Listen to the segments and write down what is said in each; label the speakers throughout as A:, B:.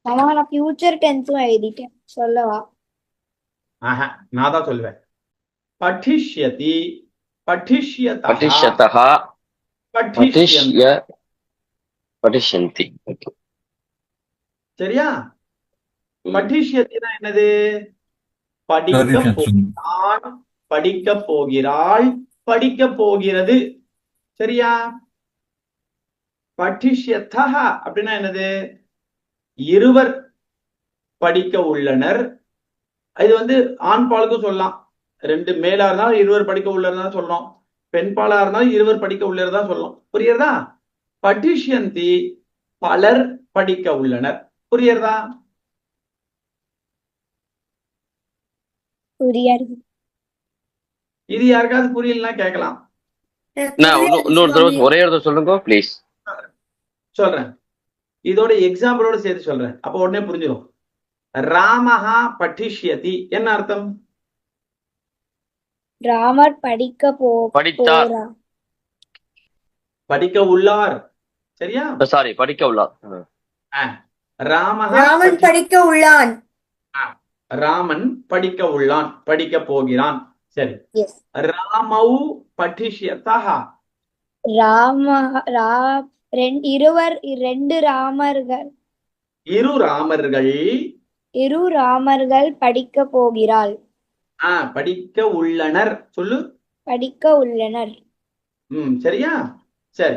A: ஆனா நான் ஃபியூச்சர் டென்ஸும் எழுதிட்டேன் சொல்லவா?
B: ஆஹா, நான் தான் சொல்லுவேன். பட்டிஷ்யதி, பட்டிஷ்யதः,
C: पठिष्यतः पठिष्य
B: பட்டிஷ்யந்தி.
C: पठिष्यन्ति okay.
B: சரியா?
C: ம்.
B: பட்டிஷ்யத்தினா என்னது? படிக்க போகிறான், படிக்க போகிறாள், படிக்க போகிறது. சரியா? பட்டிஷ்யதः அப்படின்னா என்னது? இருவர் படிக்க உள்ளனர். இது வந்து ஆண் பாலுக்கும் சொல்லலாம். ரெண்டு மேலா இருந்தாலும் இருவர் படிக்க உள்ளதான் சொல்லணும். பெண் பாலா இருந்தாலும் இருவர் படிக்க உள்ளதான் சொல்லணும். புரியுறதா? பட்டிஷ்யந்தி பலர் படிக்க உள்ளனர். புரியுறதா?
A: புரியாது.
B: இது யாருக்காவது புரியலன்னா கேட்கலாம்.
C: நான் இன்னொரு தடவை ஒரே ஒரு தடவை சொல்லுங்க ப்ளீஸ்.
B: சொல்றேன். இதோட எக்ஸாம்பிளோட சேர்த்து சொல்றேன். அப்ப உடனே புரிஞ்சிடும். ராமஹா பட்டிஷ்யதி என்ன அர்த்தம்?
A: ராமர் படிக்க
C: படித்தார்.
A: போறா.
B: படிக்க உள்ளார். சரியா?
C: சாரி, படிக்க உள்ளார்.
B: ராமஹா
D: ராமன் படிக்க உள்ளான்.
B: ராமன் படிக்க உள்ளான், படிக்க போகிறான். சரி.
A: எஸ்.
B: ராமௌ பட்டிஷ்யதः.
A: ரெண்டு ராமர்கள்.
B: இரு
A: ராமர்கள் படிக்க போகிறாள்.
B: படிக்க உள்ளனர் சொல்லு.
A: படிக்க உள்ளனர்.
B: சரியா? சரி.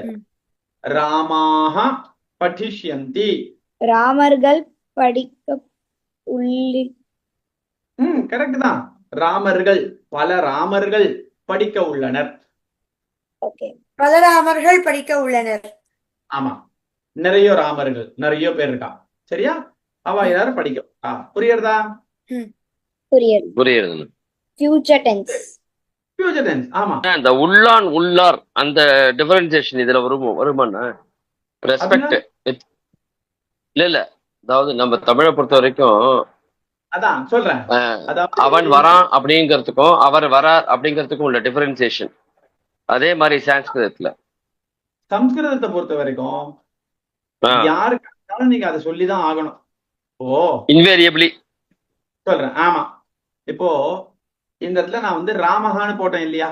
B: ராமாக பட்டிஷ்யந்தி.
A: ராமர்கள் படிக்க உள்ளி.
B: கரெக்ட் தான். ராமர்கள், பல ராமர்கள் படிக்க உள்ளனர்.
A: ஓகே.
D: பல ராமர்கள் படிக்க உள்ளனர்.
B: ஆமா, நிறைய ராமர்கள், நிறைய பேர் இருக்கா. சரியா? அவ எல்லாரும் படிக்க. புரியுறதா?
A: புரியுது.
C: புரியுது.
A: Future tense.
B: Future tense. ஆமா.
C: இந்த உள்ளான் உள்ளார் அந்த டிஃபரன்சியேஷன் இதுல வருமானா? ரெஸ்பெக்ட் இல்ல அதாவது நம்ம தமிழை பொறுத்த வரைக்கும்
B: அதான் சொல்றேன்.
C: அவன் வரான் அப்படிங்கிறதுக்கும் அவர் வரார் அப்படிங்கிறதுக்கும் உள்ள டிஃபரன்சியேஷன் அதே மாதிரி
B: சம்ஸ்கிருதத்தை பொறுத்த வரைக்கும் யாருக்கு நீங்க அதை சொல்லிதான் ஆகணும்.
C: இன்வேரியபிளி
B: சொல்றேன். ஆமா. இப்போ இந்த இடத்துல நான் வந்து ராமஹான்னு போட்டேன் இல்லையா?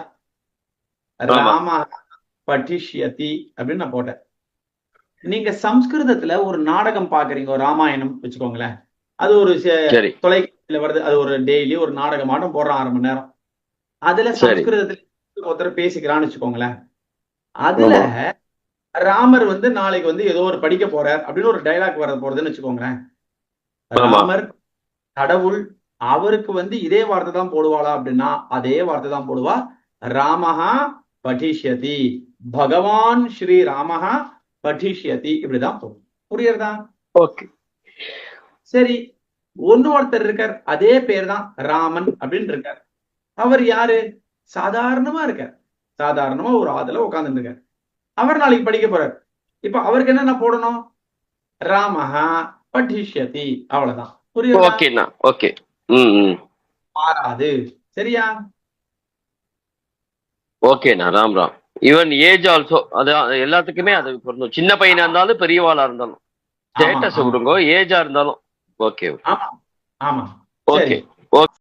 B: ராம பட்டிஷ்யதி அப்படின்னு நான் போட்டேன். நீங்க சம்ஸ்கிருதத்துல ஒரு நாடகம் பாக்குறீங்க, ஒரு ராமாயணம் வச்சுக்கோங்களேன். அது ஒரு தொலைக்காட்சியில வருது. அது ஒரு டெய்லி ஒரு நாடகமாட்டம் போடுறான் 1/2 மணி நேரம். அதுல சம்ஸ்கிருதத்துல ஒருத்தர் பேசிக்கிறான்னு வச்சுக்கோங்களேன். அதுல ராமர் வந்து நாளைக்கு வந்து ஏதோ ஒரு படிக்க போறார் அப்படின்னு ஒரு டைலாக் வர போறதுன்னு வச்சுக்கோங்களேன். ராமர் கடவுள், அவருக்கு வந்து இதே வார்த்தை தான் போடுவாளா அப்படின்னா அதே வார்த்தை தான் போடுவா. ராமஹா பட்டிஷ்யதி, பகவான் ஸ்ரீ ராமஹா பட்டிஷ்யதி, இப்படிதான் போடும். புரியுறதா?
C: ஓகே.
B: சரி. ஒருத்தர் இருக்கார், அதே பேர் தான் ராமன் அப்படின்னு இருக்கார். அவர் யாரு? சாதாரணமா இருக்கார். சாதாரணமா ஒரு ஆதுல உட்கார்ந்து இருக்கார். அவர் நாளைக்கு படிக்க போறார். இப்ப அவருக்கு என்ன போடணும்? ராமஹா பட்டிஷ்யதி, அவ்வளவுதான். புரியுதா?
C: ஓகே.
B: மாறாது. சரியா?
C: ஓகேண்ணா. ராம் ஈவன் ஏஜ் ஆல்சோ அது எல்லாத்துக்குமே அது பொருந்தும். சின்ன பையனா இருந்தாலும் பெரியவாளா இருந்தாலும் ஸ்டேட்டஸ் விடுங்க, ஏஜா இருந்தாலும் ஓகே.
B: ஆமா.
C: ஓகே.